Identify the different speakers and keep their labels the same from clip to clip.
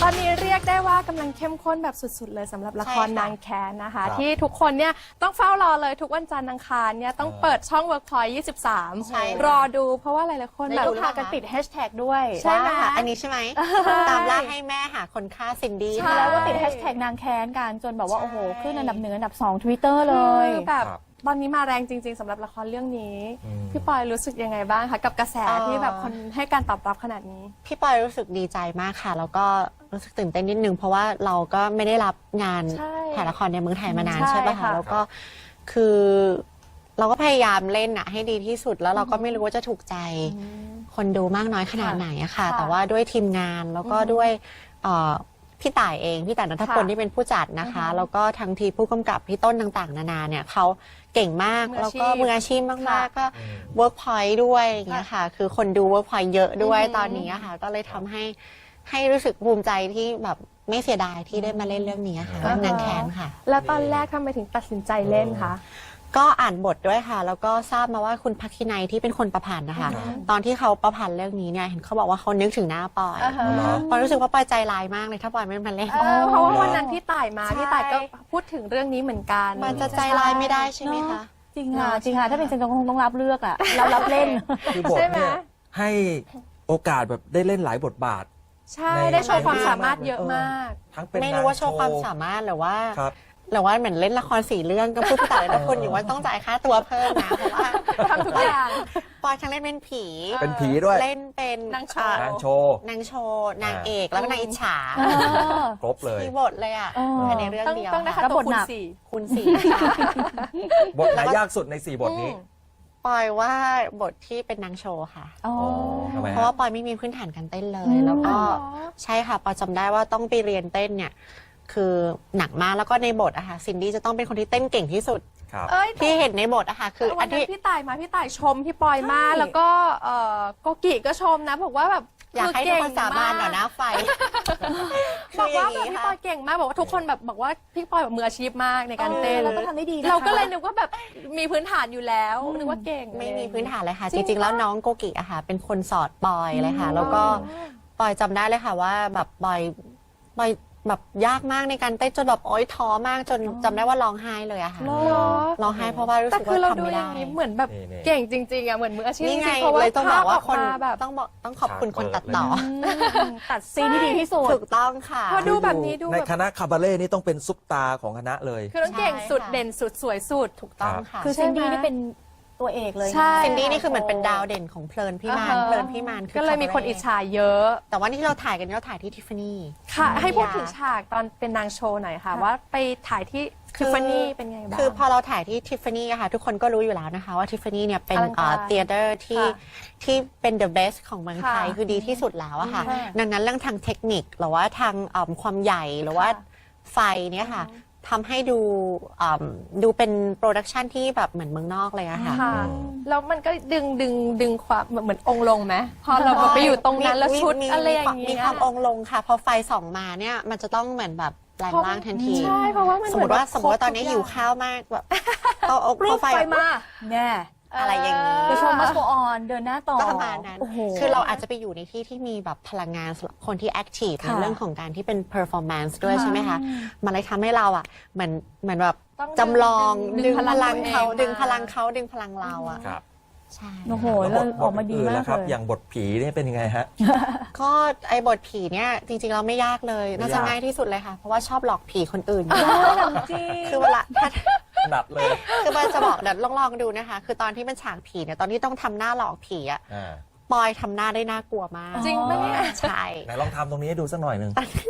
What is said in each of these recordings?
Speaker 1: อนนี้เรียกได้ว่ากำลังเข้มข้นแบบสุดๆเลยสำหรับละครนางแค้นนะคะที่ทุกคนเนี่ยต้องเฝ้ารอเลยทุกวันจันทร์อังคารเนี่ยต้องเปิดช่อง Workpoint 23 รอดูเพราะว่าหลายๆคนแบบพากันติดแฮชแท็กด้วยใช่ไหม
Speaker 2: อันนี้ใช่ไหมตามล่าให้แม่หาคนฆ่าซินดี้
Speaker 3: แล้วก็ติดแฮชแท็กนางแค้นกันจนแบบว่าโอ้โหขึ้นอันดับ1อันดับ2 Twitter เลย
Speaker 1: แบบตอนนี้มาแรงจริงๆสำหรับละครเรื่องนี้พี่ปอยรู้สึกยังไงบ้างคะกับกระแสที่แบบคนให้การตอบรับขนาดนี้
Speaker 2: พี่ปอยรู้สึกดีใจมากค่ะแล้วก็รู้สึกตื่นเต้นนิดนึงเพราะว่าเราก็ไม่ได้รับงานถ่ายละครในเมืองไทยมานานใช่ป่ะคะแล้วก็คือเราก็พยายามเล่นอะให้ดีที่สุดแล้วเราก็ไม่รู้ว่าจะถูกใจคนดูมากน้อยขนาดไหนอะค่ะแต่ว่าด้วยทีมงานแล้วก็ด้วยพี่ต่ายเองพี่ต่ายณัฐพลที่เป็นผู้จัดนะคะแล้วก็ทั้งทีผู้กำกับพี่ต้นต่างๆนานาเนี่ยเขาเก่งมากแล้วก็มืออาชีพมากๆก็ Workpoint ด้วยอย่างเงี้ยค่ะคือคนดู Workpoint เยอะด้วยตอนนี้ค่ะก็เลยทำให้รู้สึกภูมิใจที่แบบไม่เสียดายที่ได้มาเล่นเรื่องนี้ค่ะเรื่องนางแค้นค่ะ
Speaker 1: แล้วตอนแรกทำไมถึงตัดสินใจเล่นคะ
Speaker 2: ก็อ่านบทด้วยค่ะแล้วก็ทราบมาว่าคุณพักคินัยที่เป็นคนประพันธ์นะคะตอนที่เขาประพันธ์เรื่องนี้เนี่ยเห็นเขาบอกว่าเขานึกถึงหน้าปอยปอยรู้สึกว่าปอยใจร้ายมากเลยถ้าปอยไม่มาเล่น
Speaker 1: เพราะว่าวันนั้นพี่ต่ายมาพี่ต่ายก็พูดถึงเรื่องนี้เหมือนกัน
Speaker 2: มันจะใจร้ายไม่ได้ใช่ไหมคะ
Speaker 3: จริงค่ะจริงค่ะถ้าเป็นเซนก็คงต้องรับเลือกอ่ะเรารับเล่น
Speaker 4: คือบทเนี่ยให้โอกาสแบบได้เล่นหลายบทบาท
Speaker 1: ใช่ได้โชว์ความสามารถเยอะมาก
Speaker 4: ทั้งเป็น
Speaker 2: ไม่รู้ว่าโชว์ความสามารถหรือว่าเหมือนเล่นละคร4 เรื่องก็พูดแต่ละคนอยู่ว่าต้องจ่ายค่าตัวเพิ่มนะเพราะว่า
Speaker 1: ทำทุกอย่าง
Speaker 2: ปอยทั้งเล่นเป็นผี
Speaker 4: ด้วย
Speaker 2: เล่นเป็น
Speaker 1: นางโชว์
Speaker 2: นางเอกแล้วก็นางอิจฉา
Speaker 4: ครบเลย
Speaker 2: มีบทเลยอ่ะในเรื่องเดียว
Speaker 1: ต้องนะคะตัว
Speaker 2: คูณ 4
Speaker 4: บทไหนยากสุดใน4 บทนี้
Speaker 2: ปอยว่าบทที่เป็นนางโชว์ค่ะเพ
Speaker 4: ราะ
Speaker 2: ว่าปอยไม่มีพื้นฐานการเต้นเลยแล้วก็ใช่ค่ะปอยจำได้ว่าต้องไปเรียนเต้นเนี่ยคือหนักมากแล้วก็ในบทอะค่ะซินดี้จะต้องเป็นคนที่เต้นเก่งที่สุดที่เห็นในบทอะค่ะคือ
Speaker 1: อันที่พี่ต่ายมาพี่ต่ายชมพี่ปอยมากแล้วก็โกกิก็ชมนะบอกว่าแบบ
Speaker 2: อยากให้ทุกคนสาบานต่อหน้าไฟ
Speaker 1: บอกว่าแบบพี่ปอยเก่งมากบอกว่าทุกคนแบบบอกว่าพี่ปอยแบบมืออาชีพมากในการเต้น
Speaker 3: แล้วก็ทำได้ดี
Speaker 1: เราก็เลยนึกว่าแบบมีพื้นฐานอยู่แล้วนึกว่าเก่ง
Speaker 2: ไม่มีพื้นฐานเลยค่ะจริงๆแล้วน้องโกกิอะค่ะเป็นคนสอนปอยเลยค่ะแล้วก็ปอยจำได้เลยค่ะว่าแบบปอยแบบยากมากในการเต้นจนแบบโอ๊ยท้อมากจนจำได้ว่าร้องไห้เลยอะค่ะร้องไห้เพราะว่ารู้สึกว่าทำไม่ได้
Speaker 1: เหมือนแบบเก่งจริงๆอะเหมือนมืออาชีพ
Speaker 2: นี่ไงเลยต้องบอกว่าคนต้องขอบคุณคนตัดต่อ
Speaker 3: ตัดซีนที่ดีที่สุด
Speaker 2: ถูกต้องค่ะ
Speaker 1: พอดูแบบนี้ดู
Speaker 4: ในคณะคาบาเล่นี่ต้องเป็นซุปตาของคณะเลย
Speaker 1: คือต้องเก่งสุดเด่นสุดสวยสุด
Speaker 2: ถูกต้องค่ะ
Speaker 3: คือซินดี้นี่เป็นตัวเอกเลย
Speaker 2: ซินดี้นี่คือเหมือนเป็นดาวเด่นของเพลินพี่มาน
Speaker 1: ก็เลยมีคนอิจฉาเยอะ
Speaker 2: แต่ว่านี่ที่เราถ่ายกันเราถ่ายที่ทิฟฟานี่
Speaker 1: ค่ะให้พูดถึงฉากตอนเป็นนางโชว์หน่อยค่ะว่าไปถ่ายที่ทิฟฟานี่เป็นไงบ้าง
Speaker 2: คือพอเราถ่ายที่ทิฟฟานี่ค่ะทุกคนก็รู้อยู่แล้วนะคะว่าทิฟฟานี่เนี่ยเป็นเธียเตอร์ที่เป็น the best ของเมืองไทยคือดีที่สุดแล้วอะค่ะดังนั้นเรื่องทางเทคนิคหรือว่าทางความใหญ่หรือว่าไฟเนี่ยค่ะทำให้ดูเป็นโปรดักชันที่แบบเหมือนเมืองนอกเลยอะค่ะ
Speaker 1: แล้วมันก็ดึงความเหมือนองค์ลงไหมพอเราไปอยู่ตรงนั้นแล้วชุดอะไรอย่างนี้
Speaker 2: มีความองค์ลงค่ะพอไฟส่องมาเนี่ยมันจะต้องเหมือนแบบแปลงร่างทันที
Speaker 1: ใช่เพราะว่า
Speaker 2: สมมติว่าตอนนี้หิวข้าวมากแบบเอาไฟ
Speaker 3: มาแน่
Speaker 2: อะไรอย่างนี้
Speaker 3: ไปชมมัสโกออนเดินหน้าต่อ
Speaker 2: ประมาณนั้นคือเราอาจจะไปอยู่ในที่ที่มีแบบพลังงานสำหรับคนที่แอคทีฟในเรื่องของการที่เป็น performance ด้วยใช่ไหมคะมันเลยทำให้เราอ่ะเหมือนแบบจำลองดึงพลังเขาดึงพลังเราอ่ะใช่
Speaker 3: โอ้โหเราออกมาดีมาก
Speaker 4: เลยอย่างบทผีนี่เป็นยังไงฮะ
Speaker 2: ก็ไอ้บทผีเนี่ยจริงๆเราไม่ยากเลยน่าจะง่ายที่สุดเลยค่ะเพราะว่าชอบหลอกผีคนอื่น
Speaker 3: จริง
Speaker 2: คือเวลา
Speaker 4: ดัดเลย
Speaker 2: คือมันจะบอกเดี๋ยวลองดูนะคะคือตอนที่มันฉากผีเนี่ยตอนที่ต้องทำหน้าหลอกผีอ่ะปอยทำหน้าได้น่ากลัวมาก
Speaker 1: จริงไหมเนี่ย
Speaker 2: ใช่
Speaker 4: ไหนลองทำตรงนี้ให้ดูสักหน่อยหนึ่ง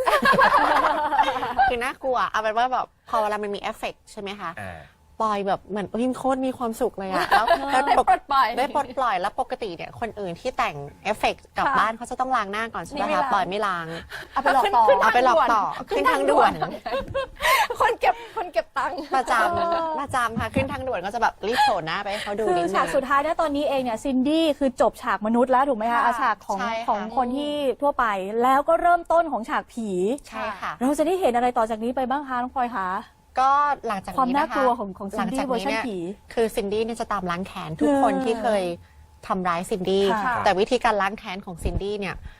Speaker 2: คือน่ากลัวเอาเป็นว่าแบบพอเวลามันมีเอฟเฟกต์ใช่ไหมคะปอยแบบเหมือนโคตรมีความสุขเลยอะแล้ว
Speaker 1: ได้ปลดปล่อย
Speaker 2: แล้วปกติเนี่ยคนอื่นที่แต่งเอฟเฟกต์กลับบ้านเขาจะต้องล้างหน้าก่อนใช่ไหมคะปอยไม่ล้าง
Speaker 3: เอาไปหลอกต่อ
Speaker 2: ขึ้นทางด่วน
Speaker 1: คนเก็บตังค์
Speaker 2: ประจำค่ะขึ้นทางด่วนก็จะแบบรีบโผล่หน้าไปให้เขาดูนิดนึง
Speaker 3: ฉากสุดท้ายเนี่ยตอนนี้เองเนี่ยซินดี้คือจบฉากมนุษย์แล้วถูกไหมคะฉากของคนที่ทั่วไปแล้วก็เริ่มต้นของฉากผี
Speaker 2: ใช่ค่ะ
Speaker 3: เราจะได้เห็นอะไรต่อจากนี้ไปบ้างคะน้องพลอยคะ
Speaker 2: ก็หลังจากนี้นะคะ
Speaker 3: ความน่ากลัวของซินดี้เวอร์ชันผี
Speaker 2: คือซินดี้เนี่ยจะตามล้างแค้นทุกคนที่เคยทำร้ายซินดี้แต่วิธีการล้างแค้นของซินดี้เนี่ย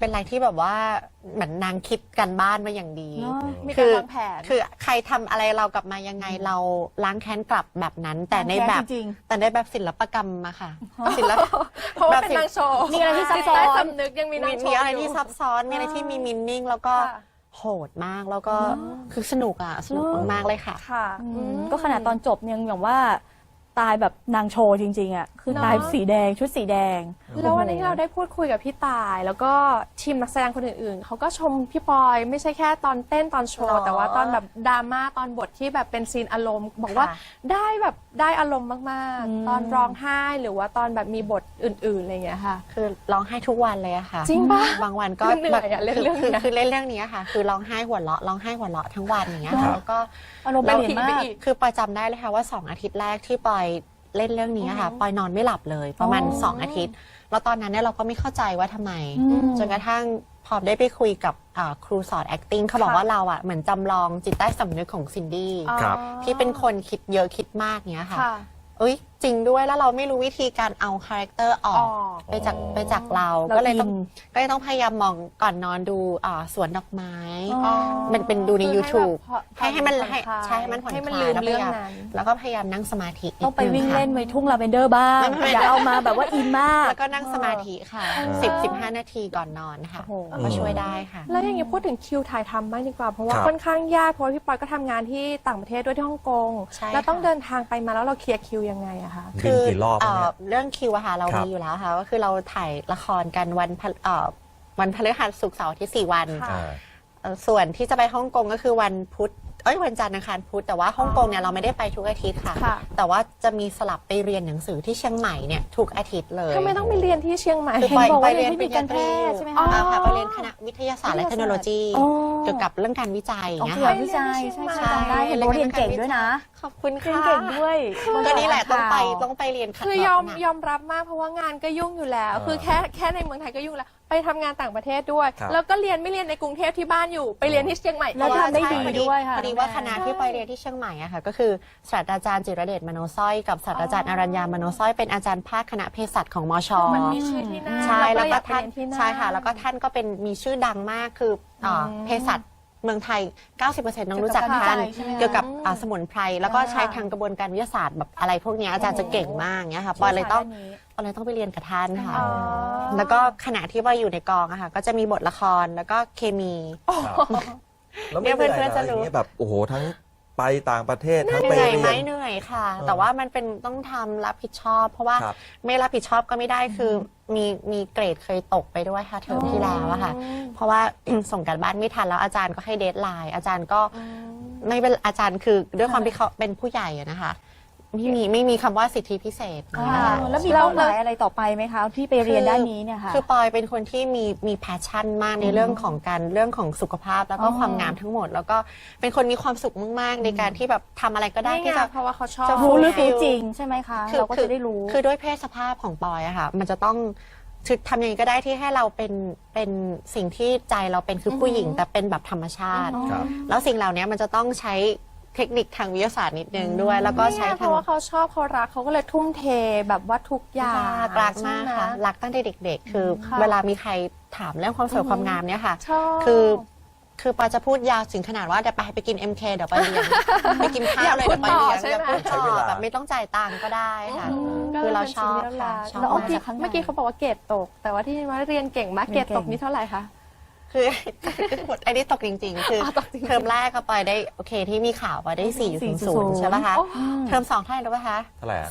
Speaker 2: เป็นอะไรที่แบบว่าเหมือนนางคิดกันบ้านมาอย่างดี
Speaker 3: เนอะ
Speaker 1: มีการวางแผน
Speaker 2: คือใครทำอะไรเรากลับมายังไงเราล้างแค้นกลับแบบนั้น แต่ในแบบ
Speaker 3: จริง
Speaker 2: แต่ในแบบศิลปกรรมอะค่ะศิลป
Speaker 1: เพราะว่าเป็นนางโชว์
Speaker 3: มีอะไรที่ซับซ้อน
Speaker 1: จิตใต้สำนึกยังมีนางโชว์
Speaker 2: มีอะไร
Speaker 1: ยู่
Speaker 2: ที่ซับซ้อนมีอะไรที่มีมินนิ่งแล้วก็
Speaker 1: ค่ะ
Speaker 2: โหดมากแล้วก็คือสนุกอะสนุกมากๆเลยค่ะ
Speaker 1: ค่ะ
Speaker 3: ก็ขนาดตอนจบยังแบบว่าตายแบบนางโชว์จริงๆอ่ะคือตายสีแดงชุดสีแดง
Speaker 1: แล้ววันนี้ที่เราได้พูดคุยกับพี่ตาย แล้วก็ทีมนักแสดงคนอื่นๆเขาก็ชมพี่ปอยไม่ใช่แค่ตอนเต้นตอนโช
Speaker 2: หร
Speaker 1: ว์
Speaker 2: อ
Speaker 1: แต่ว่าตอนแบบดราม่าตอนบทที่แบบเป็นซีนอารมณ์ บอกว่า
Speaker 2: ค่ะ
Speaker 1: ได้แบบได้อารมณ์มาก
Speaker 3: อืม
Speaker 1: ๆ ตอนร้องไห้หรือว่าตอนแบบมีบทอื่นๆอะไรอย่างเงี้ยค่ะ
Speaker 2: คือร้องไห้ทุกวันเลยอะค่ะ
Speaker 1: จริงปะ
Speaker 2: บางวันก็
Speaker 1: มันเหนื่อยอะเล่นเรื่อง
Speaker 2: คือ
Speaker 1: เนี้ย
Speaker 2: คือเล่นเรื่องนี้อะค่ะ คือร้องไห้หัวเราะร้องไห้หัวเราะทั้งวันอย่างเงี้ย
Speaker 4: ครั
Speaker 2: ค่ะ
Speaker 4: บ
Speaker 2: แล้วก็
Speaker 3: อารมณ์เปลี่ยนมาก
Speaker 2: คือปอยจำได้เลยค่ะว่า2 อาทิตย์แรกที่ปอยเล่นเรื่องนี้อะค่ะปอยนอนไม่หลับเลยประมาณ
Speaker 3: อ๋อ
Speaker 2: 2 อาทิตย์ แล้วตอนนั้นเนี่ยเราก็ไม่เข้าใจว่าทำไม
Speaker 3: อืม
Speaker 2: จนกระทั่งพอได้ไปคุยกับครูสอน acting เขาบอก
Speaker 1: ค่ะ
Speaker 2: ว่าเราอะเหมือนจำลองจิตใต้สำนึกของซินดี้
Speaker 4: ครับ
Speaker 2: ที่เป็นคนคิดเยอะคิดมากเนี้ยค่ะ
Speaker 1: ค่ะ
Speaker 2: เอ้ยจริงด้วยแล้วเราไม่รู้วิธีการเอาคาแรคเตอร์ออกไปจากเรา
Speaker 3: เรา
Speaker 2: ก็เลยต้อง
Speaker 3: อิน
Speaker 2: ก็เลยต้องพยายามมองก่อนนอนดูสวนดอกไม้
Speaker 3: อ๋อ
Speaker 2: มันเป็นดูใน
Speaker 1: คือ
Speaker 2: YouTube ให้มัน
Speaker 1: ผ่อ
Speaker 2: ให้
Speaker 1: คลาย
Speaker 2: ใช่ให้มันผ่อน
Speaker 1: ให้มัน
Speaker 2: ค
Speaker 1: ลื
Speaker 2: ลาย
Speaker 1: ม
Speaker 2: แล้วพ
Speaker 1: เรื่อย
Speaker 2: าง ยาม
Speaker 1: นั้น
Speaker 2: แล้วก็พยายามนั่งสมาธิ
Speaker 3: ต้องไปวิ่ง
Speaker 2: ค่ะ
Speaker 3: เล่นไว้ทุ่งลาเวนเดอร์บ้าง
Speaker 2: ไม่
Speaker 3: อย่าเอามาแบบว่าอินมาก
Speaker 2: แล้วก็นั่งสมาธิค่ะ 10-15 นาทีก่อนนอนค่ะ
Speaker 3: โอ้โห
Speaker 2: ก็ช่วยได้ค่ะ
Speaker 1: แล้วอย่างนี้พูดถึงคิวถ่ายทำบ้างดีกว่า เพราะว่า
Speaker 4: ครับ
Speaker 1: ค่อนข้างยากเพราะว่าพี่ปอยก็ทำงานที่ต่างประเทศด้วยที่ฮ่องกง
Speaker 2: ใช่
Speaker 1: แล้วต้อง
Speaker 2: ค่ะ
Speaker 1: เดินทางไปมาแล้วเราเคลียร์คิวยังไงอะคะ
Speaker 4: บินกี่รอบเนี่ย
Speaker 2: เรื่องคิวอะค่ะเรา
Speaker 4: ครับ
Speaker 2: มีอยู่แล้วค่ะก็คือเราถ่ายละครกันวันพฤหัสศุกร์เสาร์อาที่4 วัน
Speaker 1: ค่ะ
Speaker 2: ส่วนที่จะไปฮ่องกงก็คือวันพุธวันจันทร์อังคารพุธแต่ว่าฮ่องกงเนี่ยเราไม่ได้ไปทุกอาทิตย์ค่ะ
Speaker 1: ค่ะ
Speaker 2: แต่ว่าจะมีสลับไปเรียนหนังสือที่เชียงใหม่เนี่ยทุกอาทิตย์เลย
Speaker 1: ทำไมต้องไปเรียนที่เชียงใหม่
Speaker 2: คือ
Speaker 3: เห็นบอกว่า
Speaker 2: ไปเรียน
Speaker 3: เรียนที่การแพทย์ใช่ไหมคะ
Speaker 2: ค่ะไปเรียนคณะวิทยาศาสตร์และเทคโนโลยี
Speaker 3: อ๋อ
Speaker 2: เกี่ยวกับเรื่องการวิจัยอย่าง
Speaker 3: อ๋อ
Speaker 2: เงี้ย
Speaker 3: เกี่ยว
Speaker 2: ค่ะ
Speaker 3: กับวิจัยใช่
Speaker 2: ใช่
Speaker 3: จำได้เห็นบอกว่าเรียนเก่งด้วยนะ
Speaker 2: ขอบคุณ
Speaker 3: เรียน
Speaker 2: ค่ะ
Speaker 3: เก่งด้วย
Speaker 2: ก็นี่แหละต้องไป
Speaker 3: ข่าว
Speaker 2: ต้องไปเรียน
Speaker 1: คือยอม
Speaker 2: หนัก
Speaker 1: ยอมรับมากเพราะว่างานก็ยุ่งอยู่แล้ว คือแค่ในเมืองไทยก็ยุ่งแล้ว ไปทำงานต่างประเทศด้วย
Speaker 4: ครับ
Speaker 1: แล้วก็เรียนไม่เรียนในกรุงเทพที่บ้านอยู่ ไปเรียนที่เชียงใหม่
Speaker 3: แล้วทำได้ดี
Speaker 2: พอ
Speaker 3: ด้วยค่ะ
Speaker 2: พอดีว่าคณะที่ไปเรียนที่เชียงใหม่อะค่ะก็คือศาสตราจารย์จิรเดชมโนสร้อยกับศาสตราจารย์อรัญญามโนสร้อยเป็นอาจารย์ภาคคณะเภสัชของมช
Speaker 1: มันมีชื่อที่นั่น
Speaker 2: ใช่
Speaker 1: เรา
Speaker 2: แล้ว
Speaker 1: ก็
Speaker 2: ก็
Speaker 1: อยากไป
Speaker 2: ท่าน
Speaker 1: เรียนที่นั่น
Speaker 2: ใช่ค่ะแล้วก็ท่านก็เป็นมีชื่อดังมากคือเภสัชเมืองไทย 90%น้องรู้จักท่าน
Speaker 3: เกี่ยวกับการวิจัยใช่ไหมคะ
Speaker 2: เกี่ยวกับสมุนไพรแล้วก็ใช้ทางกระบวนการวิทยาศาสตร์แบบอะไรพวกเนี้ยอาจารย์จะเก่งมากเงี้ยค่ะปอยเลยต้องไปเรียนกับท่านค่ะ
Speaker 1: อ๋อ
Speaker 2: แล้วก็ขณะที่ปอยอยู่ในกองอะค่ะก็จะมีบทละครแล้วก็เคมี
Speaker 4: แล้ว
Speaker 2: เนี่
Speaker 4: ไม่
Speaker 2: ย
Speaker 4: เหนื่อย
Speaker 2: เพื่อนๆจะ
Speaker 4: นะอ
Speaker 2: รู้
Speaker 4: ย่างนี้แบบโอ้โหทั้งไปต่างประเทศทั้ง
Speaker 2: เห
Speaker 4: ไป
Speaker 2: นื่อย
Speaker 4: เรี
Speaker 2: ไหม
Speaker 4: ยน
Speaker 2: เหนื่อยค่ะ
Speaker 4: เออ
Speaker 2: แต่ว่ามันเป็นต้องทำรับผิดชอบ เพราะว่า
Speaker 4: ครับ
Speaker 2: ไม่รับผิดชอบก็ไม่ได้คือมีเกรดเคยตกไปด้วยค่ะเทอมที่แล้วอะค่ะ เพราะว่า ส่งการบ้านไม่ทันแล้วอาจารย์ก็ให้เดทไลน์อาจารย์ก็ไม่เป็นอาจารย์คือด้วยความที่เขาเป็นผู้ใหญ่อะนะคะไม่มีคำว่าสิทธิพิเศษ
Speaker 3: อ๋อ
Speaker 2: นะคะ
Speaker 3: แล้วมีเป้าหมายอะไรต่อไปไหมคะ ที่ไปเรียนด้านนี้เนี่ยค่ะ
Speaker 2: คือปอยเป็นคนที่มีแพชชั่นมากในเรื่องของสุขภาพแล้วก็
Speaker 3: อ๋อ
Speaker 2: ความงามทั้งหมด แล้วก็เป็นคนมีความสุขมากๆในการที่แบบทำอะไรก็ได้
Speaker 1: นี่ไง
Speaker 2: ที่จะ
Speaker 1: เพราะว่าเขาชอบ
Speaker 2: จะ
Speaker 3: รู้ลึกรู้จริงใช่ไหมคะ เราก็จะได้รู้
Speaker 2: คือด้วยเพศสภาพของปอยอะค่ะ มันจะต้องทำยังไงก็ได้ที่ให้เราเป็นสิ่งที่ใจเราเป็นคือผู้หญิงแต่เป็นแบบธรรมชาติ
Speaker 4: ครับ
Speaker 2: แล้วสิ่งเหล่านี้มันจะต้องใช้เทคนิคทางวิทยาศาสตร์นิดนึงด้วย แล้วก็
Speaker 1: นี่
Speaker 2: ใช้
Speaker 1: ไงเพ
Speaker 2: ทาง
Speaker 1: ราะว่าเขาชอบเขารักเขาก็เลยทุ่มเทแบบว่าทุกอย่าง
Speaker 2: รักมากค่ะ
Speaker 1: ใช่ไหม
Speaker 2: รักตั้งแต่เด็ก ๆ คือ
Speaker 1: ค่ะ
Speaker 2: เวลามีใครถามเรื่องความสวยความงามเนี่ยค่ะ
Speaker 1: ชอบ
Speaker 2: คือปอยจะพูดยาวถึงขนาดว่าเดี๋ยวไปกิน MK เดี๋ยวไปเรียน ไปกินข้าวเลย
Speaker 1: อ
Speaker 2: เดี๋
Speaker 1: ยาก
Speaker 2: ยวไปเรียน
Speaker 1: พูดต่อใช่ไหม
Speaker 2: พูด
Speaker 4: ใช้
Speaker 2: ต่
Speaker 4: เว
Speaker 2: อ
Speaker 4: ลา
Speaker 2: แบบไม่ต้องจ่ายตังค์ก็ได้ค่ะ คือเราชอบค่ะชอบ
Speaker 3: แล้ว
Speaker 1: เมื่
Speaker 3: ก
Speaker 1: อกี้
Speaker 3: จากข้างใน
Speaker 1: เมื่อกี้เขาบอกว่าเกรดตก แต่ว่าที่ว่าเรียนเก่งมาก
Speaker 3: เรี
Speaker 1: เกร
Speaker 3: ยน
Speaker 1: ด
Speaker 3: เก่ง
Speaker 1: ตกนี่เท่าไหร่คะ
Speaker 2: คือไอ้นี่ตกจริงๆ คือ
Speaker 1: ตกจริงๆ
Speaker 2: เทอมแรกก็ไปได้โอเคที่มีข่าวว่าได้ 4.0 ใช่ป่ะคะ เทอม2เท่าไหร่รู้ป่ะคะ
Speaker 4: เท่าไหร่อะ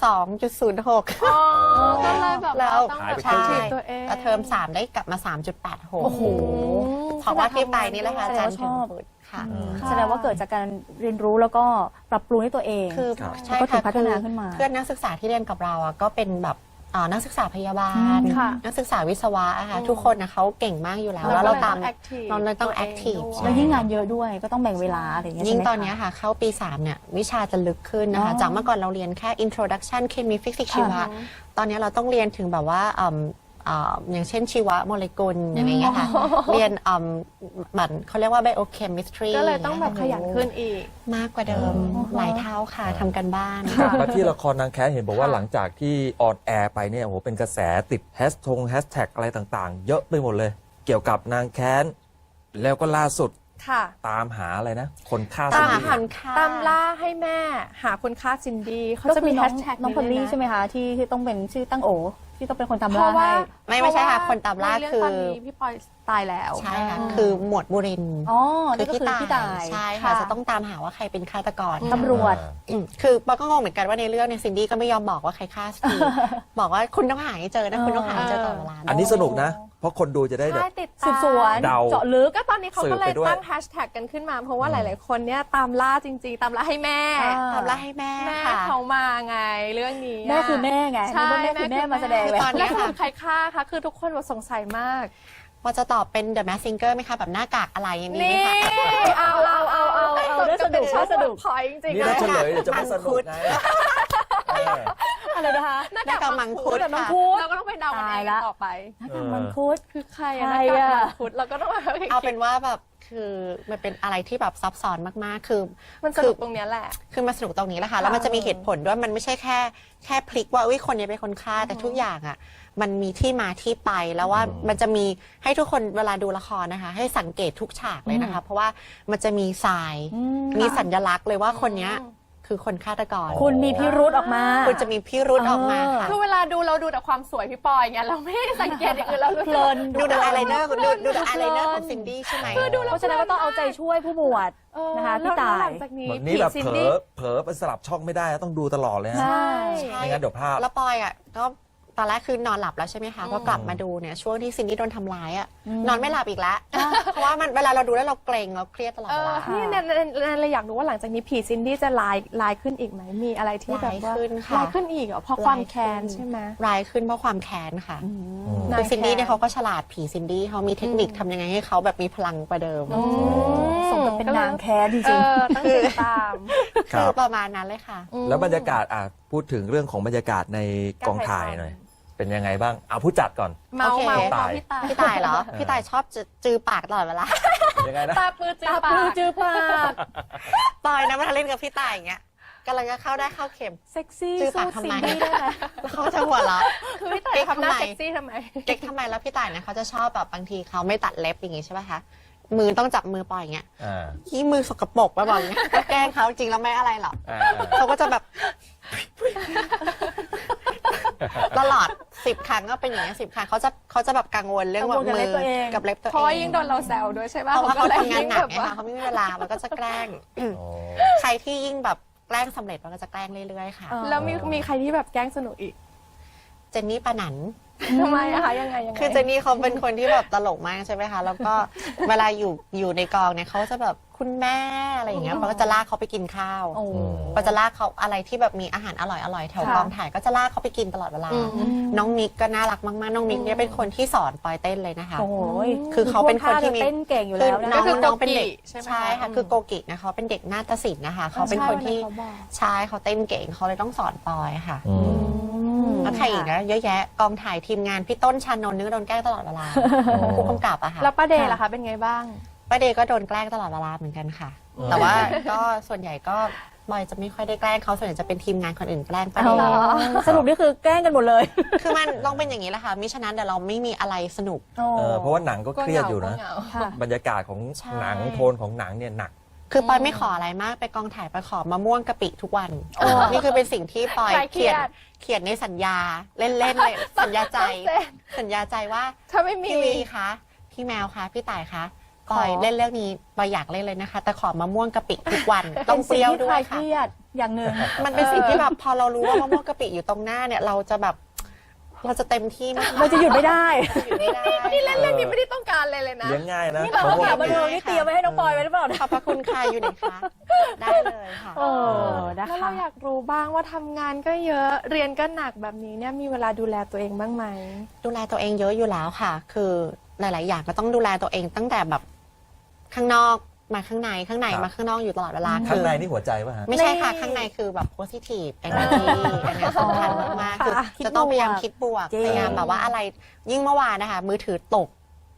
Speaker 2: 2.06
Speaker 1: อ๋อก็เลยแบบ
Speaker 2: แล้
Speaker 1: ว่าว ต้อง
Speaker 4: หาย
Speaker 1: แบบ
Speaker 4: ไป
Speaker 1: ใช้
Speaker 4: ครึ่ง
Speaker 1: ชีวิตตัวเอง
Speaker 2: แล้วเทอม3ได้กลับมา 3.86
Speaker 3: โอ้โห
Speaker 2: เพราะว่าที่ไปนี่แหละค่ะอาจารย์
Speaker 3: แสดงว่าชอบ
Speaker 2: พุทธค่ะ
Speaker 3: แสดงว่าเกิดจากการเรียนรู้แล้วก็ปรับปรุงให้ตัวเอง
Speaker 2: คือ
Speaker 4: ครับ
Speaker 2: ใช่
Speaker 3: แล้วก็ถู
Speaker 2: ค่ะ
Speaker 3: กพัฒนาขึ้นมา
Speaker 2: เพื่อนนักศึกษาที่เรียนกับเราอะก็เป็นแบบนักศึกษาพยาบาล
Speaker 1: ค่ะ
Speaker 2: นักศึกษาวิศวะอะค่ะทุกคนนะเขาเก่งมากอยู่แล้ว
Speaker 1: เรา
Speaker 2: แล้ว
Speaker 1: ก็
Speaker 2: เรา
Speaker 1: เลย
Speaker 2: ตาม
Speaker 1: active
Speaker 2: เราเลยต้อง
Speaker 1: ตัวเอง
Speaker 2: active
Speaker 1: ด้วย
Speaker 3: แล้วยิ่งงานเยอะด้วยก็ต้องแบ่งเวลาอะไรอย่างเงี้ย
Speaker 2: ยิ่ง
Speaker 3: ใช่ไหม
Speaker 2: ตอนเนี้ย
Speaker 3: คะ
Speaker 2: ค่ะเข้าปี 3 เนี่ยวิชาจะลึกขึ้นนะคะ
Speaker 3: อ๋อ
Speaker 2: จากเมื่อก่อนเราเรียนแค่ introduction เคมีฟิสิกส์ชีวะ
Speaker 3: ค่ะ
Speaker 2: ตอนเนี้ยเราต้องเรียนถึงแบบว่าอย่างเช่นชีวะโมเลกุลอย่างเงี้ยค่ะเรียนบัตรเขาเรียกว่า biochemistry
Speaker 1: ก็เลยต้องแบบขยันขึ้นอีก
Speaker 2: มากกว่าเดิมหลายเท่าค่ะทำกันบ้าน
Speaker 4: มาที่ละครนางแค้นเห็นบอกว่าหลังจากที่ออนแอร์ไปเนี่ยโอ้โหเป็นกระแสติดแฮชแท็กอะไรต่างๆ เยอะไปหมดเลยเกี่ยวกับนางแค้น แล้วก็ล่าสุด
Speaker 1: ค่ะ
Speaker 4: ตามหาอะไรนะ คนฆ่า
Speaker 2: ตาม
Speaker 4: ซิน
Speaker 2: หา
Speaker 4: ดี้
Speaker 2: คนฆ่า
Speaker 1: ตามล่าให้แม่หาคนฆ่าซินดี้เขา
Speaker 3: ก็
Speaker 1: จะ
Speaker 3: คื
Speaker 1: มี
Speaker 3: อ
Speaker 1: แฮ
Speaker 3: น้อง
Speaker 1: ชแท็ก
Speaker 3: น้องพอลลี่ใช่ไหมคะที่ต้องเป็นชื่อตั้งโอที่ต้องเป็นคนตาม
Speaker 1: เพ
Speaker 3: ล่า
Speaker 1: ราะว่า
Speaker 3: ให้
Speaker 2: ไม่ใช่ค่ะ
Speaker 1: เพระว่
Speaker 2: คนตามล่า
Speaker 1: ในเรื่อง
Speaker 2: คือ
Speaker 1: ตอนนี้พี่ปอยตายแล้ว
Speaker 2: ใช่ค่ะคือหมวดบุรินทร์
Speaker 3: อ๋อ
Speaker 2: คื
Speaker 3: นี่ก็คือพี่ตาย
Speaker 2: ใช่ค่ะจะต้องตามหาว่าใครเป็นฆาตกร
Speaker 3: ตำรวจ
Speaker 2: คือปอก็งงเหมือนกันว่าในเรื่องเนี่ยซินดี้ก็ไม่ยอมบอกว่าใครฆ่าสักที บอกว่าคุณต้องหาให้เจอนะคุณต้องหาให้เจอตลอดเวลา
Speaker 4: อันนี้สนุกนะ เพราะคนดูจะได้แบบ
Speaker 1: ใช่ติดตาม
Speaker 3: สืบสวน
Speaker 4: เดา
Speaker 3: เจาะลึก
Speaker 1: ก็ตอนนี้เขาก็เลย
Speaker 4: สืบไปด้วย
Speaker 1: ตั้งแฮชแท็กกันขึ้นมา เพราะว่าหลาย ๆ คนเนี่ยตามล่าจริง ๆ ตามล่าให้แม่
Speaker 2: ตามล่าให้แม่
Speaker 1: แม่
Speaker 2: ค่ะ
Speaker 1: เขามาไงเรื่องนี้ะ
Speaker 3: แม่คือแม่ไง
Speaker 1: ใช่
Speaker 3: แม่คือแม่มาแสดงเลย
Speaker 2: ตอน
Speaker 1: แล้ว
Speaker 2: นี้
Speaker 1: ส
Speaker 2: ค่ะ
Speaker 1: รุปใครฆ่าคะคือทุกคนแบบสงสัยมาก
Speaker 2: พอจะตอบเป็น The Masked Singer ไหมคะแบบหน้ากากอะไรอย่างนี้ไหม
Speaker 1: นี่
Speaker 2: คะ
Speaker 1: เอา
Speaker 3: ได้สนุก
Speaker 1: ชอบ
Speaker 3: ได้สนุก
Speaker 1: พอยจริงๆ
Speaker 4: นี่
Speaker 1: เล
Speaker 4: ถ้าย เฉลยเดี๋ยวจะไม่สนุกไงเออ
Speaker 3: อะไรนะคะ
Speaker 1: หน้า
Speaker 2: หน้ากากมังคุด
Speaker 3: แต่น้อง
Speaker 2: ค่ะ
Speaker 3: พูด
Speaker 1: เราก็ต้องไปเดากันเอง
Speaker 3: ตายละ
Speaker 1: ต่อไป
Speaker 3: หน้ากากมังคุด
Speaker 1: คือใคร
Speaker 3: ใคร
Speaker 1: อะหน้ากาก
Speaker 3: อะ
Speaker 1: มังคุดเราก็ต้องมา
Speaker 2: เอาเป็นว่าแบบคือมันเป็นอะไรที่แบบซับซ้อนมากๆ คือ
Speaker 1: มันสนุกตรงเนี้ยแหละ
Speaker 2: คือมาสนุกตรงนี้แหละค่ะ แล้วมันจะมีเหตุผลด้วย มันไม่ใช่แค่พลิกว่าอุ้ยคนนี้เป็นคนฆ่า แต่ทุกอย่างอ่ะ มันมีที่มาที่ไป แล้วว่ามันจะมีให้ทุกคนเวลาดูละครนะคะ ให้สังเกตทุกฉากเลยนะคะ เพราะว่ามันจะมีทราย มีสัญลักษณ์เลยว่าคนเนี้ยคือคนฆาตกร
Speaker 3: คุณมีพิรุธออกมา
Speaker 2: คุณจะมีพิรุธออกมาค่ะ
Speaker 1: คือเวลาดูเราดูแต่ความสวยพี่ปอยไงเราไม่ได้สังเกตอย่างอื่นเรารู้
Speaker 3: เพลิน
Speaker 2: ดูแต่อายไลเนอร์ดูแต่อายไลเนอร์ของซินดี้ใช่ไหม
Speaker 3: เพราะฉะนั้นก็ต้องเอาใจช่วยผู้หมวด นะคะพี่ตาย
Speaker 1: แล้วหลังจากนี้
Speaker 4: แบบนี้แบบ
Speaker 1: ผีซิน
Speaker 4: เผล
Speaker 1: ดี้
Speaker 4: อเผลอไปสลับช่องไม่ได้ต้องดูตลอดเลยฮะ
Speaker 3: ใช่
Speaker 4: ไม่งั้นเดี๋ยวพลาด
Speaker 2: แล้วปอยอ่ะก็ตอนแรกคือนอนหลับแล้วใช่ไหมคะพอกลับมาดูเนี่ยช่วงที่ซินดี้โดนทำร้ายอ่ะนอนไม่หลับอีกแล้ว เพราะว่ามันเวลาเราดูแล้วเราเกรงเราเครียดตลอด
Speaker 1: เอ
Speaker 2: เว
Speaker 1: อ
Speaker 2: ลา
Speaker 1: นี่แนนเลยอยากรู้ว่าหลังจากนี้ผีซินดี้จะลายขึ้นอีกไหมมีอะไรที่แบบว่า
Speaker 2: ร้ายขึ้นค่ะ
Speaker 1: ลายขึ้นอีกเหรอเพราะความแค้นใช่ไหม
Speaker 2: ร้ายขึ้นเพราะความแค้นค่ะ
Speaker 1: นา
Speaker 2: คื
Speaker 1: ย
Speaker 2: อซินดี้เนี่ย
Speaker 1: แค้
Speaker 2: เขาก็ฉลาดผีซินดี้เขามีเทคนิคทำยังไงให้เขาแบบมีพลังกว่าเดิม
Speaker 3: สมกับเป็นนางแค้นจ
Speaker 1: เอ
Speaker 3: ริง
Speaker 1: อต้องติดตาม
Speaker 4: ครั
Speaker 2: คือบ ประมาณนั้นเลยค่ะ
Speaker 4: แล้วบรรยากาศพูดถึงเรื่องของบรรยากาศในกองถ่ายหน่อย เป็นยังไงบ้างเอาผู้จัดก่อน
Speaker 1: เมา
Speaker 2: โอเค
Speaker 1: เมา
Speaker 4: ตาย
Speaker 1: พี่ตาย
Speaker 2: พี่ตายเหรอ พี่ตายชอบจือปากตลอดเวลา
Speaker 4: ยังไงนะ
Speaker 1: ตาปื้อจื้
Speaker 3: ตา
Speaker 1: อ
Speaker 3: ป
Speaker 1: ปา
Speaker 3: ลือก จือปาก
Speaker 2: ปอยนะมาเล่นกับพี่ตายอย่างเงี้ยกำลังจะเข้าได้เข้าเข็ม
Speaker 3: เซ็กซี่
Speaker 2: จือ
Speaker 3: สู้
Speaker 2: ปากทำ
Speaker 3: ซิ
Speaker 2: ไม
Speaker 3: นดี้ได้ไหม
Speaker 2: แล้วเขาจะหัวเราะ
Speaker 1: คือพี่ตายทำหน้าเซ็กซี่ทำไม
Speaker 2: เก๊กทำไมแล้วพี่ต่ายเนี่ยเขาจะชอบแบบบางทีเขาไม่ตัดเล็บอย่างงี้ใช่ไหมคะมือต้องจับมือปล่อยอย่างเงี้ย
Speaker 4: อ่า
Speaker 2: ที่มือสกปรกมาบอกอย่างเงี้ยก็แกล้งเขาจริงแล้วไม่อะไรหรอก
Speaker 4: อ่า
Speaker 2: เขาก็จะแบบ ตลอด10 ครั้งก็เป็นอย่างเงี้ย10 ครั้งเขาจะแบบกังวลเรื่องว่า
Speaker 3: กังวลกับ
Speaker 2: มื
Speaker 3: เล็บ
Speaker 2: อ
Speaker 3: ตัวเอง
Speaker 2: กับเล็บตัว
Speaker 1: เพราะว่า
Speaker 2: เอ
Speaker 1: ยิ่
Speaker 2: ง
Speaker 1: งโดนเราแซวด้วยใช่ป่ะ
Speaker 2: เพราะว่าเขา
Speaker 1: ก็ลย
Speaker 2: ทำงานหนัก
Speaker 1: ยิ่
Speaker 2: ไง
Speaker 1: แบบ
Speaker 2: คะเขาไม่มีเวลามันก็จะแกล้ง
Speaker 4: โอ้
Speaker 2: ใครที่ยิ่งแบบแกล้งสำเร็จมันก็จะแกล้งเรื่อยๆค่ะ
Speaker 1: แล้วมีใครที่แบบแกล้งสนุกอีก
Speaker 2: เจนนี่ปานัน
Speaker 1: ทำไมอะคะยังไง
Speaker 2: คือเจนนี่เขาเป็นคนที่แบบตลกมากใช่ไหมคะ แล้วก็เวลาอยู่ในกองเนี่ยเขาจะแบบคุณแม่อะไรอย่างเงี้ยมันก็จะลากเขาไปกินข้าว
Speaker 3: โอ้
Speaker 2: ก็จะลากเขาอะไรที่แบบมีอาหารอร่อยๆแถว
Speaker 3: ค่ะ
Speaker 2: กองถ่ายก็จะลากเขาไปกินตลอดเวลา น้องมิกก็น่ารักมากๆ น้องมิกเนี่ยเป็นคนที่สอนปอยเต้นเลยนะคะ
Speaker 3: โอ้โห
Speaker 2: คือเขาเป็นคนที่มี
Speaker 3: เต้นเก่งอยู่
Speaker 2: คือ
Speaker 3: แล้วนะ
Speaker 2: น้อง
Speaker 1: คือ
Speaker 2: น้องเป็นเด็ก
Speaker 1: โกกิใช่ไหม
Speaker 2: ใช่ค่ะคือโกกินะคะเขาเป็นเด็กนาฏศิลป์นะคะเขาเป็นคนที่ใช่เขาเต้นเก่งเขาเลยต้องสอนปอยค่ะ
Speaker 4: อืม
Speaker 2: แล้วใครอีกนะเยอะแยะกองถ่ายทีมงานพี่ต้นชานนท์นี่ก็โดนแกล้งตลอดเวลาผู้กำกับอะค่ะ
Speaker 1: แล้วป้าเดย์ล่ะคะเป็นไงบ้าง
Speaker 2: ป้าเดย์ก็โดนแกล้งตลอดเวลาเหมือนกันค่ะ แต่ว่าก็ส่วนใหญ่ก็บอยจะไม่ค่อยได้แกล้งเขาส่วนใหญ่จะเป็นทีมงานคนอื่นแกล้งป้าเด
Speaker 3: อ๋อ
Speaker 2: ย์
Speaker 3: สรุปนี่คือแกล้งกันหมดเลย
Speaker 2: คือมันต้องเป็นอย่างนี้แหละค่ะมิฉะนั้นเดี๋ยวเราไม่มีอะไรสนุก
Speaker 4: เพราะว่าหนังก็เครียดอยู่นะ
Speaker 1: ก็เหงา
Speaker 3: ค่ะ
Speaker 4: บรรยากาศของ
Speaker 2: ใช่
Speaker 4: หนังโทนของหนังเนี่ยหนัก
Speaker 2: คือปอยไม่ขออะไรมากไปกองถ่ายไปขอมะม่วงกะปิทุกวันนี่คือเป็นสิ่งที่ปอย
Speaker 1: คลายเครี
Speaker 2: เขี
Speaker 1: ย
Speaker 2: ย
Speaker 1: ด
Speaker 2: นในสัญญาเล่นๆเลยสัญญาใจ สัญญาใจว่า
Speaker 1: ถ้าไม่มี
Speaker 2: พี่ลีคะพี่แมวคะพี่ต่ายคะปอยเล่นเรื่องนี้ปอยอยากเล่นเลยนะคะ แต่ขอมะม่วงกะปิทุกวันต้องเปรี้ยวด้วย
Speaker 3: เป็นสิ่งที่คลายเค
Speaker 2: ค่ะ
Speaker 3: รียดอย่างหนึ่ง
Speaker 2: มันเป็นสิ่งที่แบบพอเรารู้ว่ามะม่วงกะปิอยู่ตรงหน้าเนี่ยเราจะแบบเราจะเต็มที่มาก
Speaker 3: เราจะหยุดไม่ได้
Speaker 2: อยู่ไม่ได้
Speaker 1: นี่เล่นเรื่องนี้ไม่ได้ต้องการเลยเลยนะ
Speaker 4: เลี้ยงง่ายนะ
Speaker 3: นี่เรา
Speaker 4: มะม่วง
Speaker 3: ถาม
Speaker 4: กะ
Speaker 3: มา
Speaker 4: ปิ
Speaker 3: ดูนี่เตรียมไว้ให้น้องปอยไว้หรือเปล่าเนี่ย
Speaker 2: ขอบพระคุณค่ะอยู่ไหนคะได้เลยค่ะ
Speaker 3: โอ้นะ
Speaker 1: แล้ว
Speaker 3: คะ
Speaker 1: เราอยากรู้บ้างว่าทำงานก็เยอะเรียนก็หนักแบบนี้เนี่ยมีเวลาดูแลตัวเองบ้างไหม
Speaker 2: ดูแลตัวเองเยอะอยู่แล้วค่ะ คือหลาย ๆ อย่างก็ต้องดูแลตัวเองตั้งแต่แบบข้างนอกมาข้างในข้างในมาข้างนอกอยู่ตลอดเวลา
Speaker 4: ข้างในนี่หัวใจป่ะฮะ
Speaker 2: ไม่ใช่ค่ะ
Speaker 1: นี่
Speaker 2: ข้างในคือแบบ positive energy อันนี้สำคัญมากๆคือ
Speaker 3: ค่ะ
Speaker 2: จะต้องพยายามคิดบวก
Speaker 3: จริง
Speaker 2: พยายามแบบว่าอะไรยิ่งเมื่อวานนะคะมือถือตก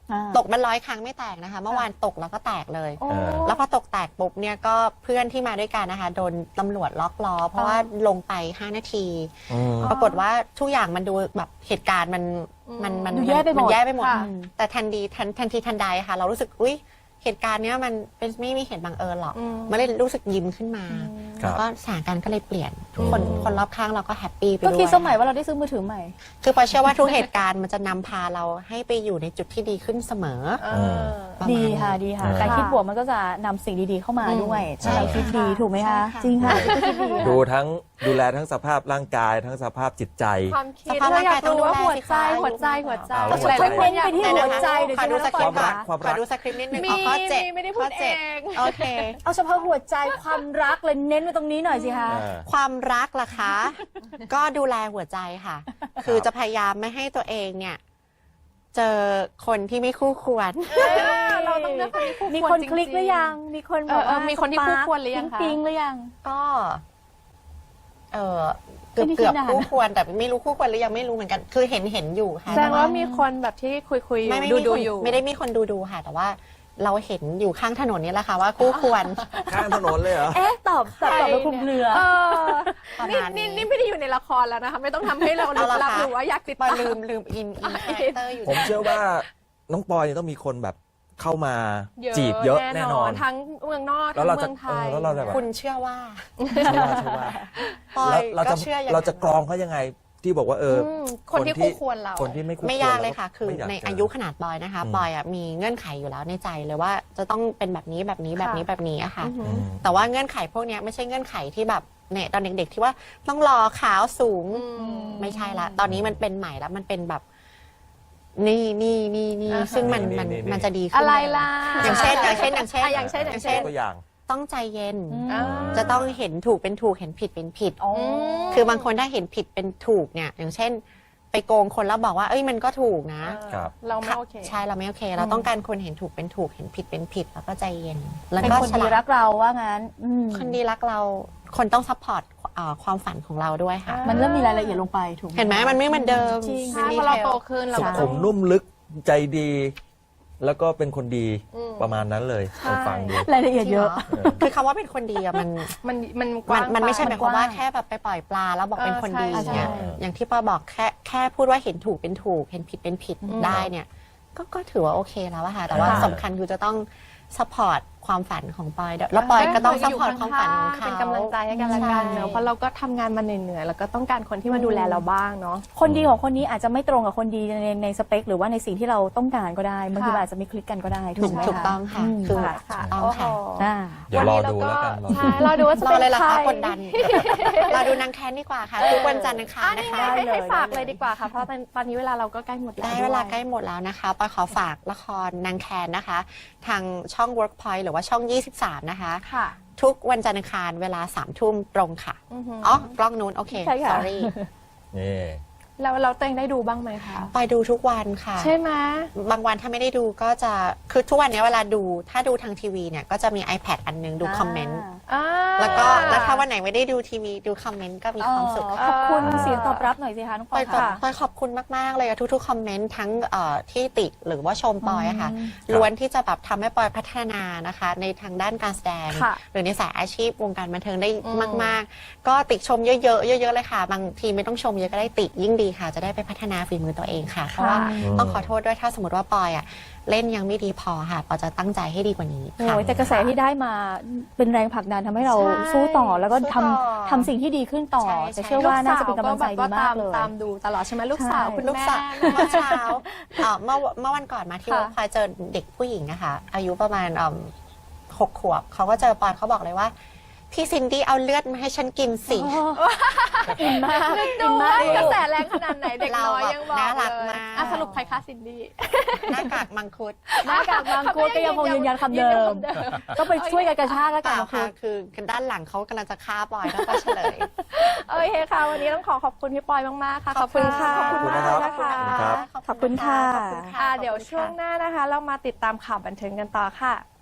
Speaker 2: ตกมัน100 ครั้งไม่แตกนะคะ เมื่อวานตกแล้วก็แตกเลย
Speaker 3: โอ้
Speaker 2: แล้วพอตกแตกปุ๊บเนี่ยก็เพื่อนที่มาด้วยกันนะคะโดนตำรวจล็อกล้อเพราะว่าลงไป5 นาที ปรากฏว่าทุกอย่างมันดูแบบเหตุการณ์มัน
Speaker 3: ดูแย่ไปหมด
Speaker 2: มันแย่ไปหมด
Speaker 3: ค่ะ
Speaker 2: แต่ทันทีทันใดค่ะ เรารู้สึกอุ๊ยเหตุการณ์เนี้ยมันเป็นไม่มีเหตุบังเอิญหรอกมันเลยรู้สึกยิ้มขึ้นมา
Speaker 4: ครับ
Speaker 2: แล้วก็สถานการณ์ก็เลยเปลี่ยนทุกคนรอบข้างเราก็แฮปปี้ไปด้วย
Speaker 3: ก็คิดสมัยว่าเราได้ซื้อมือถือใหม่
Speaker 2: คือปอยเชื่อว่าทุกเหตุการณ์มันจะนำพาเราให้ไปอยู่ในจุดที่ดีขึ้นเสมอ ประมาณ
Speaker 3: ดีค่ะดีค่ะ การคิดบวกมันก็จะนำสิ่งดีๆเข้ามาด้วย
Speaker 2: ใช่
Speaker 3: เราคิดดี
Speaker 2: ค่ะ
Speaker 3: ถูกไหมคะ
Speaker 2: ใช่ค่ะ
Speaker 3: จริงค่ะคิดดีค่ะ
Speaker 4: ดูแลทั้งสภาพร่างกายทั้งสภาพจิตใจ
Speaker 1: ความคิด
Speaker 2: สภาพ
Speaker 1: เรา
Speaker 2: ร่างาย
Speaker 1: อยาก
Speaker 2: ต้อง
Speaker 1: รู้ว่า
Speaker 2: ดู
Speaker 1: หัว
Speaker 2: แลสิ
Speaker 1: ใจ
Speaker 2: คะ
Speaker 1: หัวใจ
Speaker 4: เอา
Speaker 1: หลายๆคนอยาก
Speaker 3: ไปที่
Speaker 1: รู้
Speaker 3: หัวใจเดี๋ยว
Speaker 2: ขอดูสคริปต์
Speaker 4: ความรักความ
Speaker 2: ข
Speaker 4: รั
Speaker 2: อก ดูสคริปต์นิดนึง
Speaker 1: มี
Speaker 2: ข้อ7
Speaker 1: ไม่ได้พูด
Speaker 2: ข้อ
Speaker 1: เอง
Speaker 2: 7โอเค
Speaker 3: เอาเฉพาะหัวใจความรักเลยเน้นไว้ตรงนี้หน่อยสิคะ
Speaker 2: ความรักล่ะคะ ก็ดูแลหัวใจค่ะ คือจะพยายามไม่ให้ตัวเองเนี่ย เจอคนที่ไม่คู่ควร
Speaker 1: เราต้องเลือกคนที่คู่
Speaker 3: มี
Speaker 1: ควร
Speaker 3: คน
Speaker 1: จริงๆ
Speaker 3: คลิกหรือยัง มีคนแบบว่า
Speaker 1: มีคนที่คู่ควรหรือยังคะ
Speaker 3: ปิ๊งๆหรือยัง
Speaker 2: ก็เออ
Speaker 3: ไม่
Speaker 2: เกือบ
Speaker 3: ได้คิดนาน
Speaker 2: คู่ควรแต่ไม่รู้คู่ควรหรือยังไม่รู้เหมือนกัน คือเห็นอยู่ค่ะ
Speaker 1: แสดงว่ามีคนแบบที่คุยอยู่
Speaker 2: ไม่
Speaker 1: ดู
Speaker 2: มีคน
Speaker 1: อยู่
Speaker 2: ไม่ได้มีคนดูค่ะ แต่ว่าเราเห็นอยู่ข้างถนนนี่แหละค่ะว่าคู่ควร
Speaker 4: ข้างถนนเลยเหรอ
Speaker 3: เอ๊ะตอบไปคลุมเครือ
Speaker 1: เออ
Speaker 2: ประ
Speaker 1: นี่
Speaker 2: มาณนี้
Speaker 1: นี่ไม่ได้อยู่ในละครแล้วนะคะ ไม่ต้องทำให้เราลึกลับหรือว่าอยากติด
Speaker 2: ปอ
Speaker 1: ตาม
Speaker 2: ลืมอินคาแรคเตอร์อยู่
Speaker 4: ผมเชื่อว่าน้องปอยเนี่ยต้องมีคนแบบเข้ามาจีบเยอะแน่นอน
Speaker 1: ทั้งเมืองนอก
Speaker 4: แล้
Speaker 1: ทั้
Speaker 4: ว
Speaker 1: ง
Speaker 4: เรา
Speaker 1: เมื
Speaker 4: จะ
Speaker 1: องไทย
Speaker 4: แล้วเราจะแบบ
Speaker 2: คุณเชื่อว่า
Speaker 4: ใช่ว่า
Speaker 2: ปอย
Speaker 4: เรา
Speaker 2: ก็
Speaker 4: จะ
Speaker 2: เชื่ออย่าง
Speaker 4: เรา
Speaker 2: นั้น
Speaker 4: จะกรองเขายังไงที่บอกว่า
Speaker 1: คนที่คู่ควรเรา
Speaker 4: คนที่ไม่คู่ควร
Speaker 2: ไม่ยากเลยค่ะ คือ
Speaker 4: ไม่าก
Speaker 2: ใน
Speaker 4: เจ
Speaker 2: อายุขนาดปอยนะคะ ปอยอ่ะมีเงื่อนไขอยู่แล้วในใจเลยว่าจะต้องเป็นแบบนี้แบบนี้แบบนี้แบบนี้อะค่ะ
Speaker 4: อืม
Speaker 2: แต่ว่าเงื่อนไขพวกเนี้ยไม่ใช่เงื่อนไขที่แบบเนี่ยตอนเด็กๆที่ว่าต้องรอขาวสูง ไม่ใช่ละ ตอนนี้มันเป็นใหม่แล้วมันเป็นแบบ นี่ซึ่งมันจะดีขึ้น
Speaker 1: อะไรล่ะ
Speaker 2: อย่างเช่น
Speaker 1: อย่างเช่น
Speaker 4: ตัวอย่าง
Speaker 2: ต้องใจเย็น
Speaker 3: อ่า
Speaker 2: จะต้องเห็นถูกเป็นถูกเห็นผิดเป็นผิด
Speaker 3: อ๋อ
Speaker 2: คือบางคนถ้าเห็นผิดเป็นถูกเนี่ย อย่างเช่น ไปโกงคนแล้วบอกว่าเอ้ยมันก็ถูกนะ
Speaker 4: ครับ
Speaker 1: เราไม่โอเค
Speaker 2: ใช่เราไม่โอเค เราต้องการคนเห็นถูกเป็นถูกเห็นผิดเป็นผิดแล้วก็ใจเย็น แล้ว
Speaker 3: เป็น
Speaker 2: ก็
Speaker 3: คน
Speaker 2: ฉ
Speaker 3: ดี
Speaker 2: ลา
Speaker 3: รั
Speaker 2: ด
Speaker 3: กเราว่างั้นม
Speaker 2: คนดีรักเราคนต้องซัพพอร์ตความฝันของเราด้วยค่ะ
Speaker 3: มันเริ่มมีรายละเอียดลงไปถูก
Speaker 2: เห็นไหมมันไม่เหมือนเดิม
Speaker 3: จริง
Speaker 2: มัน
Speaker 1: ใช่
Speaker 2: ดี
Speaker 1: พอเรา
Speaker 2: เท
Speaker 1: โต
Speaker 2: ล
Speaker 1: ขึ้นเรา
Speaker 4: สุ
Speaker 1: ก็
Speaker 4: ขุ
Speaker 1: ต้อง
Speaker 4: มนุ่มลึกใจดี แล้วก็เป็นคนดี
Speaker 1: อืม
Speaker 4: ประมาณนั้นเลย
Speaker 1: ใช่
Speaker 4: ผมฟังดู
Speaker 3: รายละเอียดเยอะ
Speaker 2: คือคำว่าเป็นคนดีอะมัน
Speaker 1: มันกว้าง
Speaker 2: มันไม่ใช่ห
Speaker 1: ป
Speaker 2: มายความว่า
Speaker 3: มันกว้าง
Speaker 2: แค่แบบไปปล่อยปลาแล้วบอกเป็นคนดี
Speaker 1: ใช่
Speaker 2: เนี่ย
Speaker 3: ใช่
Speaker 2: อย่างที่ปอบอกแค่พูดว่าเห็นถูกเป็นถูกเห็นผิดเป็นผิดได้เนี่ยก็ถือว่าโอเคแล้วอะค่ะแต่ว่า
Speaker 4: ค่ะ
Speaker 2: สำคัญคือจะต้องซัพพอร์ตความฝันของปอยด้วยแล้วปอยก็ต้องซัพพอร์ตความฝันของเขา
Speaker 1: เป็นกำลังใจให้กันและกันเนอะ
Speaker 2: ใช่
Speaker 1: เพราะเราก็ทำงานมาเหนื่อยๆแล้วก็ต้องการคนที่มาดูแลเราบ้างเนาะ
Speaker 3: คนดีของคนนี้อาจจะไม่ตรงกับคนดีในสเปค หรือว่าในสิ่งที่เราต้องการก็ได้บางที
Speaker 1: ค่ะ
Speaker 3: อาจจะไม่คลิกกันก็ได้ถูกไหม
Speaker 2: ถูกต้องค่ะ
Speaker 3: ม
Speaker 2: คือ
Speaker 1: ค่ะ
Speaker 2: ต้อง
Speaker 1: โอ้โห
Speaker 2: ค่ะ
Speaker 3: อ่า
Speaker 4: เดี๋ยวรอดูแล้วกันรอดู
Speaker 1: ใช่เราดูว่าจะ
Speaker 2: รอ
Speaker 1: เป็น
Speaker 2: เลยเหรอ
Speaker 1: ใคร
Speaker 2: คะกดดัน เราดูนางแคนดีกว่าค่ะทุกวันจันทร์อังคาร
Speaker 1: อ่ะ
Speaker 2: นะ
Speaker 1: นี่
Speaker 2: คะ
Speaker 1: ให้ฝากเลยดีกว่าค่ะเพราะตอนนี้เวลาเราก็ใกล้หมดแล้ว
Speaker 2: ได้เวลาใกล้หมดแล้วนะคะปอยขอฝากละครนางแคนนะคะ ทางช่อง Workpoint หรือว่าช่อง 23 นะคะ
Speaker 1: ค่ะ
Speaker 2: ทุกวันจันทร์อังคารเวลา 3 ทุ่มตรงค่ะ
Speaker 1: อือหือ
Speaker 2: อ๋อกล้องนู้นโอเค
Speaker 3: ใช่ค่ะ
Speaker 2: sorry
Speaker 4: นี่
Speaker 1: แล้วเราตัวเองได้ดูบ้างไหมคะ
Speaker 2: ไปดูทุกวันค่ะ
Speaker 1: ใช่ไหม
Speaker 2: บางวันถ้าไม่ได้ดูก็จะคือทุกวันนี้เวลาดูถ้าดูทางทีวีเนี่ยก็จะมี iPad อันนึงดูคอมเมนต์
Speaker 1: อ่า
Speaker 2: แล้วถ้าวันไหนไม่ได้ดูทีวีดูคอมเมนต์ก็มีความสุข
Speaker 3: ขอบคุณเสียงตอบรับหน่อยสิคะน้องป
Speaker 2: ป
Speaker 3: อ
Speaker 2: อย ย
Speaker 3: ค่ะ
Speaker 2: ปอยขอบคุณมาก ๆ เลยอะทุกๆ คอมเมนต์ทั้งที่ติหรือว่าชมปอยอะค่ะ
Speaker 3: อืม
Speaker 2: ล้วนที่จะแบบทำให้ปอยพัฒนานะคะ ในทางด้านการแสดง
Speaker 1: ค่ะ
Speaker 2: หรือในสายอาชีพวงการบันเทิงได้
Speaker 1: อืม
Speaker 2: มาก ๆ ก็ติชมเยอะๆเยอะๆเลยค่ะ บางทีไม่ต้องชมเยอะก็ได้ติยิ่งดีค่ะ จะได้ไปพัฒนาฝีมือตัวเองค่ะ เพราะว่าต้องขอโทษด้วยถ้าสมมติว่าปอยอะเล่นยังไม่ดีพอค่ะปอยจะตั้งใจให้ดีกว่านี้ค่ะ
Speaker 3: โอ้ยแต่กระแสที่ได้มาเป็นแรงผลักดันทำให้เรา
Speaker 1: ใช่
Speaker 3: สู้ต่อแล้วก็
Speaker 2: สู้
Speaker 3: ท
Speaker 2: ต่อ
Speaker 3: ทำสิ่งที่ดีขึ้นต่อ
Speaker 2: ใช่
Speaker 3: แต่เชื่อว่าน่าจะเป็นกำลังใจดีมากเลย
Speaker 1: ตามดูตลอดใช่ไหมลูกสาว
Speaker 3: ใช่
Speaker 1: คุณ
Speaker 2: ลูก
Speaker 1: แม่
Speaker 2: สาวเมื่อเช้าเมื่อวันก่อนมาที่
Speaker 1: ค่ะ
Speaker 2: วัดพลอยเจอเด็กผู้หญิงนะคะอายุประมาณ6 ขวบเขาก็เจอปอยเขาบอกเลยว่า พี่ซินดี้เอาเลือดมาให้ฉันกินสิ
Speaker 3: อินมาก
Speaker 1: ดูว่ากระแสแรงขนาดไหนเด็กน้อยยังบอก
Speaker 2: น่ารัก
Speaker 1: เลย
Speaker 2: มาก
Speaker 1: อ่ะสรุปใครคะซินดี้
Speaker 2: หน้ากากมังคุด
Speaker 3: หน้ากากบางโคก็ยังคงยืนยันคำเดิม ต้องไปช่วยกันกระชากแล้ว
Speaker 2: เป
Speaker 3: กัน
Speaker 2: ล่า
Speaker 3: นะ
Speaker 2: ค่ะ
Speaker 3: คะ
Speaker 2: คือด้านหลังเขากำลังจะฆ่าปอยแล้วก็เฉลย
Speaker 1: โอเคค่ะ วันนี้ต้องขอบคุณพี่ปอยมากๆค่ะ ขอบคุณค่ะ
Speaker 2: ขอบคุณ
Speaker 1: มาก
Speaker 4: ครับ
Speaker 1: นะคะ
Speaker 4: ครับ
Speaker 3: ขอบคุณค่ะ
Speaker 2: ขอบคุณค่ะ
Speaker 1: เดี๋ยวช่วงหน้านะคะ เรามาติดตามข่าวบันเทิงกันต่อค่ะ